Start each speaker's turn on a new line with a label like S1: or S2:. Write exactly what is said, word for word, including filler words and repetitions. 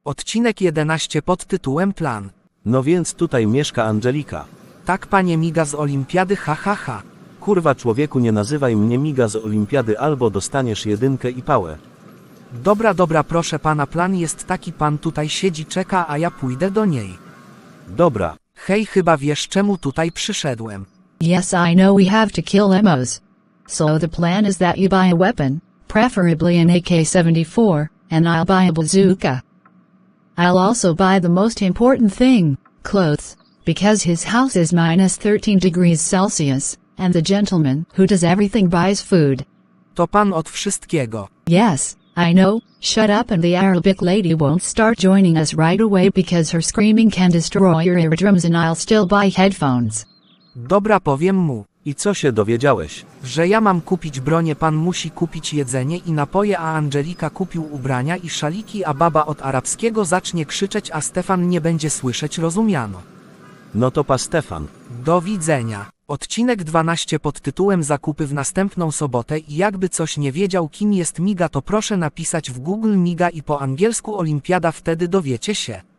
S1: Odcinek jedenaście pod tytułem Plan.
S2: No więc tutaj mieszka Angelika.
S1: Tak, panie Miga z Olimpiady, ha ha ha.
S2: Kurwa, człowieku, nie nazywaj mnie Miga z Olimpiady, albo dostaniesz jedynkę i pałę.
S1: Dobra, dobra, proszę pana, plan jest taki, pan tutaj siedzi, czeka, a ja pójdę do niej.
S2: Dobra.
S1: Hej, chyba wiesz, czemu tutaj przyszedłem.
S3: Yes, I know we have to kill Emos. So the plan is that you buy a weapon, preferably an A K seventy-four, and I'll buy a bazooka. I'll also buy the most important thing, clothes, because his house is minus thirteen degrees Celsius, and the gentleman who does everything buys food.
S1: To pan od wszystkiego.
S3: Yes, I know, shut up, and the Arabic lady won't start joining us right away because her screaming can destroy your eardrums, and I'll still buy headphones.
S1: Dobra, powiem mu,
S2: I co się dowiedziałeś?
S1: że ja mam kupić bronię, pan musi kupić jedzenie i napoje, a Angelika kupił ubrania i szaliki, a baba od arabskiego zacznie krzyczeć, a Stefan nie będzie słyszeć, rozumiano.
S2: No to pa Stefan.
S1: Do widzenia. Odcinek dwanaście pod tytułem Zakupy w następną sobotę i jakby coś nie wiedział, kim jest Miga, to proszę napisać w Google Miga i po angielsku Olimpiada, wtedy dowiecie się.